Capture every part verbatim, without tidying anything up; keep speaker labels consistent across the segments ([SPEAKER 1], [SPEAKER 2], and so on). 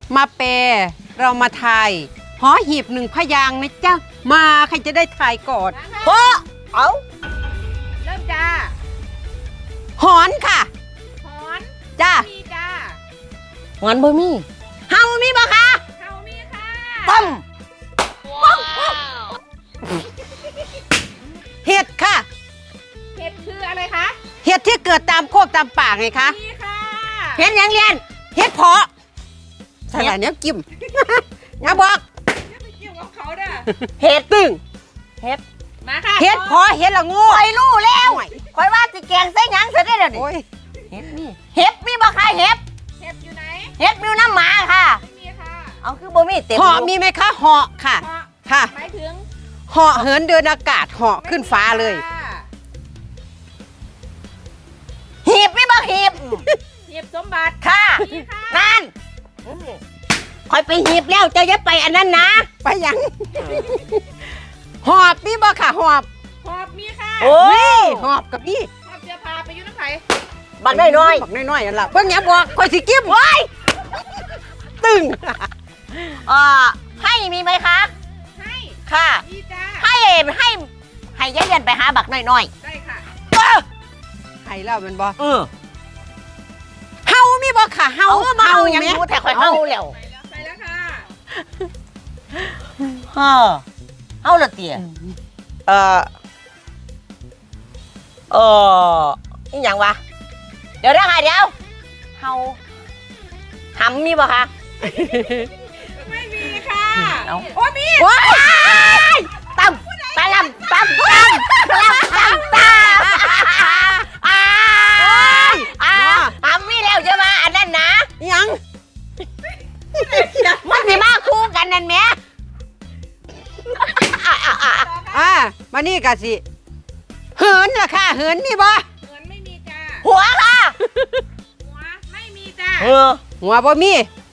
[SPEAKER 1] มาเปเรามาทายหอหีบหนึ่งพยางนะจ๊ะมาใครจะได้ทายก่อนเพราะเอา
[SPEAKER 2] เริ่มจ้า
[SPEAKER 1] หอนค่ะ
[SPEAKER 2] หอน
[SPEAKER 1] จ้า
[SPEAKER 2] มีจ้า
[SPEAKER 3] หอนบ่มี
[SPEAKER 1] เฮามีบ่คะ
[SPEAKER 2] เฮามีค่ะ
[SPEAKER 1] ต้มเห็ดค่ะ
[SPEAKER 2] เห็ดคืออะไรคะ
[SPEAKER 1] เห็ดที่เกิดตามโคกตามป่าไงคะ
[SPEAKER 2] มีค่ะ
[SPEAKER 1] เห็ดยังเรียนเห็ดเพาะสลัดเนี้ยกิมอย่าบอก
[SPEAKER 2] อย่าไปเกี่ยวกับเขาเด้อ
[SPEAKER 1] เห็ดตึง
[SPEAKER 3] เฮ็ด
[SPEAKER 2] มาค่ะ
[SPEAKER 1] เห็ดเพาะเห็ดละงู
[SPEAKER 3] ข่อยรู้แล้วข่อยว่าสิแกงใส่หยังซะได้อเดี๋ยวนี้
[SPEAKER 1] โอ้ย
[SPEAKER 3] เฮ็ดมีเฮ็ดมีบ่คะเฮ็ด
[SPEAKER 2] เห็ดอยู่ไหน
[SPEAKER 3] เฮ็ดมีน้ำหมาค่ะ
[SPEAKER 2] ไม่มีค่ะ
[SPEAKER 3] เอาคือบ่มีเต็ม
[SPEAKER 1] เหาะมีไหมคะเหาะค่ะ
[SPEAKER 2] เหาะ
[SPEAKER 1] ค่ะ
[SPEAKER 2] หมายถึง
[SPEAKER 1] เหาะเหินเดินอากาศเหาะขึ้นฟ้าเลย
[SPEAKER 2] ค่ะ
[SPEAKER 3] หีบมีบ่หีบ
[SPEAKER 2] เห็ดสมบัติ
[SPEAKER 3] ค่ะ
[SPEAKER 2] มีค่ะ
[SPEAKER 3] นั่นข่อยไปหีบแล้วเจะอย่าไปอันนั้นนะ
[SPEAKER 1] ไปยัง หอบมีบ่ค่ะหอบ
[SPEAKER 2] หอบมีค่ะ
[SPEAKER 3] โอ้
[SPEAKER 1] นี่หอบกับนี่
[SPEAKER 2] หอบเสื้อผ้าไปอยู่น้ำไผ่
[SPEAKER 3] บักน้อย
[SPEAKER 1] บักน้อยๆนั่นล่ะเบิ่งอย่าบอกข่อยสิกิ้มไว้ตึง
[SPEAKER 3] ๆเอ่อให้มีไหมคะ
[SPEAKER 2] ให้
[SPEAKER 3] ค่ะ
[SPEAKER 2] มีจ้า
[SPEAKER 3] ให้ให้ให้ยายเรียนไปหาบักน้อย
[SPEAKER 2] ได้ค่ะ
[SPEAKER 3] ๆเออ
[SPEAKER 1] ให้แล้วแมันบ่
[SPEAKER 3] เออ
[SPEAKER 1] เฮามีบ่ค่ะเฮา
[SPEAKER 3] เอามาเอายัง
[SPEAKER 1] แม่
[SPEAKER 3] รู้แต่ข่อยเฮาแล้ว
[SPEAKER 2] ไปแล้วไปแล้วค่ะ
[SPEAKER 3] เออเฮาละเตี้ยเออเออนี่หยังวะเดี๋ยวนะค่ะเดี๋ยวเฮาหำมีบ่คะ
[SPEAKER 2] ไม่มีค่ะ
[SPEAKER 3] เอา
[SPEAKER 2] โอ้มี
[SPEAKER 1] ว้าย
[SPEAKER 3] ตั้มตะลำตั้มตั้มตะลำตั้มตั้มอ้าอ้าหำมีแล้วจะมาอันนั้นนะ
[SPEAKER 1] ยัง
[SPEAKER 3] มันสิมาคู่กันนั่นแหม
[SPEAKER 1] อ่ามานี่ก็สิเหินล่ะค่ะเหินมีบ่
[SPEAKER 2] เหมือนไม่มีจ้า
[SPEAKER 3] หัวค่ะ
[SPEAKER 2] หัวไม่มีจ้า
[SPEAKER 3] เออ
[SPEAKER 1] หัวบ่มี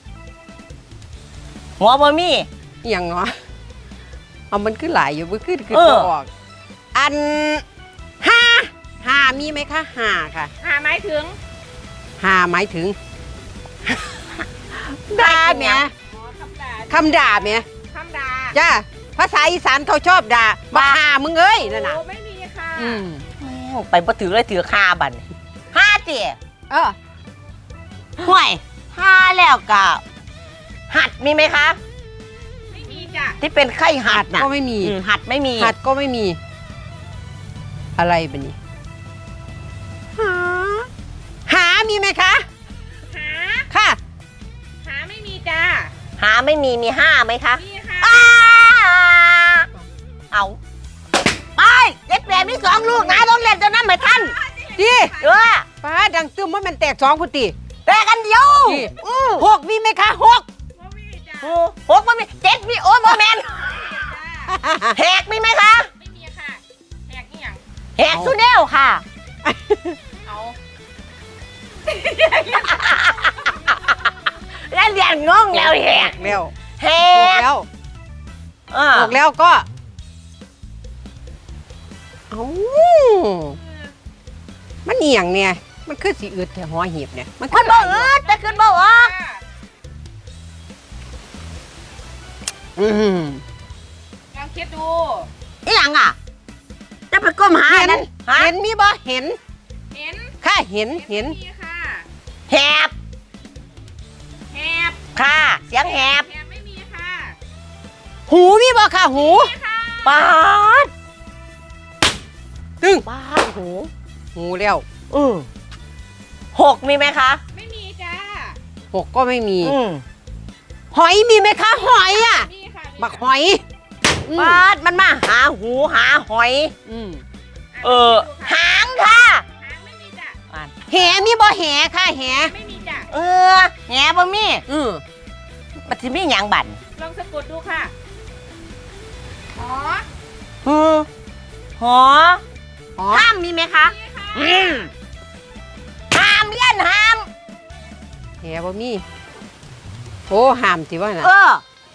[SPEAKER 3] หัวบ่มี
[SPEAKER 1] อิหยังเนาะเอามันขึ้นหลายอยู่บ่ขึ้นคือ
[SPEAKER 3] เออ
[SPEAKER 1] บ่ออกอันห้าห้ามีไหมคะห้าค่ะ
[SPEAKER 2] หาหมายถึง
[SPEAKER 1] ห้าหมายถึงด่าแหม่
[SPEAKER 2] อ๋อคำด่า
[SPEAKER 1] คำด่าแหม่
[SPEAKER 2] คำด่า
[SPEAKER 1] จ้าภาษาอีสานเขาชอบด่าบ้ามึงเอ้ยนั่นน่ะ
[SPEAKER 2] โอ้ไม่มีค่ะ
[SPEAKER 1] อืม
[SPEAKER 3] ไปบ่ถือเลยถือคาบันห้าเตี๋ย
[SPEAKER 1] เออ
[SPEAKER 3] ห่วยห้าแล้วก็หัดมีไหมคะ
[SPEAKER 2] ไม่มีจ้า
[SPEAKER 3] ที่เป็นไข้หัดน่ะ
[SPEAKER 1] ก็ไม่มี
[SPEAKER 3] อืมหัดไม่มี
[SPEAKER 1] หัดก็ไม่มี อะไรแบบนี้หาหามีไหมคะ
[SPEAKER 2] หา
[SPEAKER 1] ค่ะ
[SPEAKER 2] หาไม่มีจ้า
[SPEAKER 3] หาไม่มีมีห้าไหมคะ
[SPEAKER 2] มีค่ะ
[SPEAKER 3] อ้าเอาไปเล็กแหลมมีสองลูกนะต้องเล่นจนนั้นเหมือนท่าน
[SPEAKER 1] ดี
[SPEAKER 3] เออ
[SPEAKER 1] ป้าดังตึมว่ามันแตกสองพุติ
[SPEAKER 3] แต่กันเดียว
[SPEAKER 1] นี่
[SPEAKER 3] อือ
[SPEAKER 1] หกมีไหมคะหก
[SPEAKER 2] ไม่มีจ้า
[SPEAKER 3] โอ้หกมันมีเจ็ดมีโอ้โมเมนแหกมีไหมคะ
[SPEAKER 2] ไม่มีค่ะแหกนี่อย่าง
[SPEAKER 3] แหกสุเนลค่ะ
[SPEAKER 2] เอา
[SPEAKER 3] แล้วเรียนงงแล้วแหก
[SPEAKER 1] แล้ว
[SPEAKER 3] แห
[SPEAKER 1] หก
[SPEAKER 3] ก
[SPEAKER 1] แล้ว
[SPEAKER 3] อ่า
[SPEAKER 1] หกแล้วก็เอ้ามันเอียงเนี่ยมันคือสีอืดแต่หัวหีบเนี่ยมัน
[SPEAKER 3] มันบ่อืดแต่ขึ้นบ่ออก
[SPEAKER 1] อืม
[SPEAKER 2] ลองคิดดู
[SPEAKER 3] อีหยังอ่ะ จะไปก้มหา
[SPEAKER 1] เห็น
[SPEAKER 3] นั่นฮะ
[SPEAKER 1] เห็นมีบ่เห็น
[SPEAKER 2] เห็น
[SPEAKER 1] ค่ะเห็นเห็น
[SPEAKER 2] ไม่มีค่ะ
[SPEAKER 3] แหบ
[SPEAKER 2] แหบ
[SPEAKER 3] ค่ะ เสียงแหบ
[SPEAKER 2] แหบไม่มีค่ะ
[SPEAKER 1] หูมีบ่ค่ะหู
[SPEAKER 2] มีค่ะ
[SPEAKER 3] ปาด
[SPEAKER 1] ตึง
[SPEAKER 3] ปาดหู
[SPEAKER 1] หูแล้ว
[SPEAKER 3] อือหกมีไหมคะ
[SPEAKER 2] ไม่มีจ้า
[SPEAKER 1] หกก็ไม่มี
[SPEAKER 3] อืม
[SPEAKER 1] หอยมีไหมคะหอยอ่ะ
[SPEAKER 2] มีค่ะมี
[SPEAKER 1] บักหอยอืม
[SPEAKER 3] ปาดมันมาหาหูหาหอย
[SPEAKER 1] อืม
[SPEAKER 3] เออ หางค่ะ
[SPEAKER 2] หางไม่มีจ้ะ
[SPEAKER 1] แหมีบ่แหค่ะแห
[SPEAKER 2] ไม่มีจ้ะ
[SPEAKER 3] เออแหบบ่มี
[SPEAKER 1] อืม
[SPEAKER 3] มันสิมีหยังบั่น
[SPEAKER 2] ลองสะกดดูค่ะอ๋อ
[SPEAKER 3] อือหอ
[SPEAKER 1] อ๋อ
[SPEAKER 3] ห้ามมีไหมคะ
[SPEAKER 2] มีค่ะ
[SPEAKER 3] อืมห้ามเลี้ยนห้าม
[SPEAKER 1] แหบ่มีโอ้ห้ามสิว่าน่ะ
[SPEAKER 3] เออ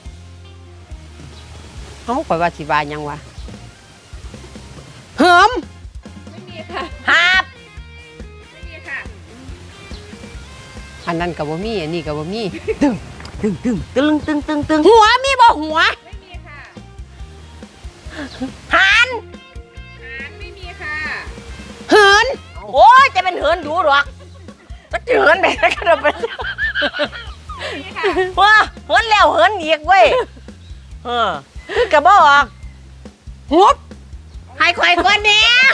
[SPEAKER 1] เอ้าข่อยว่าสิว่าหยังวะเหิม
[SPEAKER 2] ไม่มีค่ะ
[SPEAKER 3] หาบ
[SPEAKER 2] ไม่มีค่ะ
[SPEAKER 1] อันนั้นก็บ่มีอันนี้ก็บ่มี
[SPEAKER 3] ตึงตึงตึงตึงตึงตึง
[SPEAKER 1] หัวมีบ่หัว
[SPEAKER 2] ไม่มีค่ะ
[SPEAKER 3] หาน
[SPEAKER 2] หารไม่มีค่ะ
[SPEAKER 1] เหิน
[SPEAKER 3] โอ้ยจะเป็นเหินดูหรอกก็จะเหินไปแล้วก็ไป
[SPEAKER 2] ไม่มีค่ะ
[SPEAKER 3] ว้าเหินแล้วเหินอีกเว้ยเออคือกระบอก
[SPEAKER 1] หุบ
[SPEAKER 3] ให้ข่อยคนเนี้ย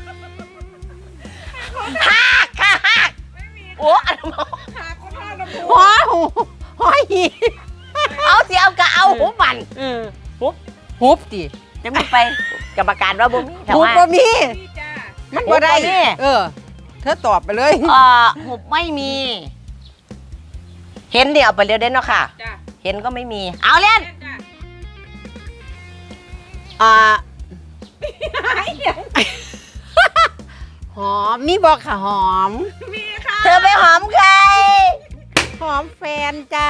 [SPEAKER 3] ฮักค่ะฮัก
[SPEAKER 2] ไม่มี
[SPEAKER 3] โอ้อันนั้น
[SPEAKER 2] หาคนท่าลำพู
[SPEAKER 1] หัวหูหัวหีบ
[SPEAKER 3] เอาเสียวก็เอาหูบัน
[SPEAKER 1] เออหุบหุบดิ
[SPEAKER 3] จะไม่ไปกรรมการว่าบ่มีแต่
[SPEAKER 1] หุบ
[SPEAKER 3] ว่า
[SPEAKER 1] บ่มี
[SPEAKER 2] พี่จ้า
[SPEAKER 1] มันบ่ได้
[SPEAKER 3] หุบบ่มี
[SPEAKER 1] เออ เธอตอบไปเลย
[SPEAKER 3] เอ่อหุบไม่มี เห็นเดี๋ยวเอาไปเรียนเด่นเนาะค่ะ
[SPEAKER 2] จ้า
[SPEAKER 3] เห็นก็ไม่มี เอาเล่น
[SPEAKER 2] เล่นจ้า
[SPEAKER 1] อ่า
[SPEAKER 2] หายอย่าง
[SPEAKER 1] หอมมีบอกค่ะหอม
[SPEAKER 2] มีค่ะ
[SPEAKER 3] เธอไปหอมใคร
[SPEAKER 1] หอมแฟนจ้า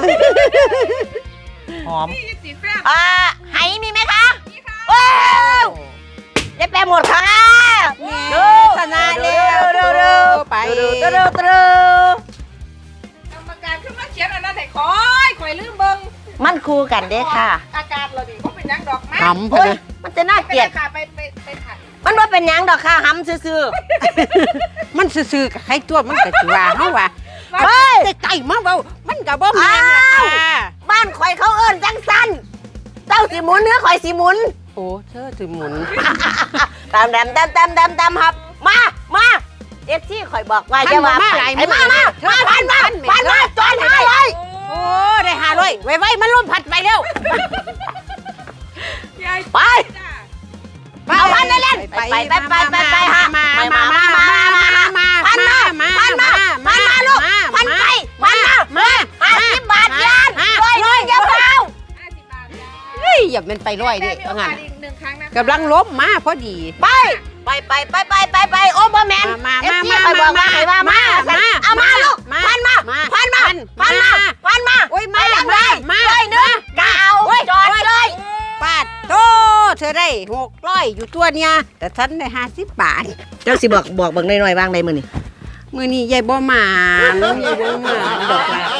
[SPEAKER 3] หอม
[SPEAKER 2] นี่สีแฟน
[SPEAKER 3] อ่าไหมีไหมคะ
[SPEAKER 2] มีค่ะ
[SPEAKER 3] ว้าวได้แปลหมดค่ะ
[SPEAKER 1] เออชนะแล้ว
[SPEAKER 3] เร็วเร็ว
[SPEAKER 1] ไป
[SPEAKER 3] เร็วเร็วเร็วเร็ว
[SPEAKER 2] กรรมการขึ้นมาเขียนอันนั้นให้คอยคอยลืมเบิ่ง
[SPEAKER 3] มันคู่กันเด้ค่ะ
[SPEAKER 2] อาการเราดิเขาเป็นยังดอกไม้
[SPEAKER 1] หำพะ
[SPEAKER 3] โอ้ย
[SPEAKER 1] นะ
[SPEAKER 3] มันจะน่า
[SPEAKER 2] ไป
[SPEAKER 3] เกลียด
[SPEAKER 2] ค่ะไปไปไปถ่าย
[SPEAKER 3] มันว่าเป็นหยังดอกค่ะหำซื่อ
[SPEAKER 1] มันซื่อๆกับใครตัวมันก็สิว่าเฮาว่า
[SPEAKER 3] ๆเฮ้ย
[SPEAKER 1] แต่ไก่มาเว้ามันก็บ่แม่นล่ะ
[SPEAKER 3] อ้าว
[SPEAKER 1] ค่ะ
[SPEAKER 3] บ้านข่อยเขาเอิ้นจังสันเจ้าสิหมุนเนื้อข่อยสิหมุน
[SPEAKER 1] โอ้เธอสิหมุน
[SPEAKER 3] ตามแดมตามตามตามตามครับ มา มาเอ็กซี่ข่อยบอกว่าจะมา
[SPEAKER 1] มาหลาย
[SPEAKER 3] ไอ้มามามาพันมาพันมาจอนหาเลย
[SPEAKER 1] โอ้ได้หาเลยไว้ๆมันล่มพัดไปแล้ว
[SPEAKER 2] ยาย
[SPEAKER 3] ไป
[SPEAKER 2] จ้า
[SPEAKER 3] เอาพันไปเล่นไปไปไปไปไปฮะ
[SPEAKER 1] มา
[SPEAKER 3] ไป
[SPEAKER 1] มา
[SPEAKER 3] มา
[SPEAKER 1] มา
[SPEAKER 3] มา
[SPEAKER 1] มา
[SPEAKER 3] มา
[SPEAKER 1] มา
[SPEAKER 3] พันมาพันมาพันมาลูกพันไปพันมามาห้าสิบบาทยานร้อยหนึ่งอย่าเฝ้า
[SPEAKER 2] ห้าสิบบาทจ้า
[SPEAKER 1] เฮ้ยอย่าเป็นไปร้อยดิ
[SPEAKER 2] ได้มีโอ
[SPEAKER 1] ว่างั้
[SPEAKER 2] กาน สอีกหนึ่งครั้งนะคะ
[SPEAKER 1] กำลังล้มมาพอดี
[SPEAKER 3] ไปไปไปไปไปไปไปโอ้บอแมน
[SPEAKER 1] มา
[SPEAKER 3] เอ็ก
[SPEAKER 1] มา
[SPEAKER 3] ซี่
[SPEAKER 1] มา
[SPEAKER 3] ข่อยบอกว่าให้ว่ามา
[SPEAKER 1] มา
[SPEAKER 3] เอามาลูก
[SPEAKER 1] มา
[SPEAKER 3] พันมา
[SPEAKER 1] มา
[SPEAKER 3] พันมา
[SPEAKER 1] พั
[SPEAKER 3] พัน
[SPEAKER 1] น
[SPEAKER 3] มา
[SPEAKER 1] มา
[SPEAKER 3] พันมา
[SPEAKER 1] โอ้ยมา
[SPEAKER 3] ไปยังไง
[SPEAKER 1] มา
[SPEAKER 3] ร้อยหนึ่งกะเอา
[SPEAKER 1] โอ้ย
[SPEAKER 3] จอดเลย
[SPEAKER 1] ปาดโตเธอได้หกร้อยอยู่ตัวเนี่ยแต่ฉันได้ห้าสิบบาท
[SPEAKER 3] เจ้าสิบอกบอกเบิ่งหน่อยๆบ้างได้มื้อนี้
[SPEAKER 1] มือนี้ยายบ่หมานยายบ่หมานดอกละ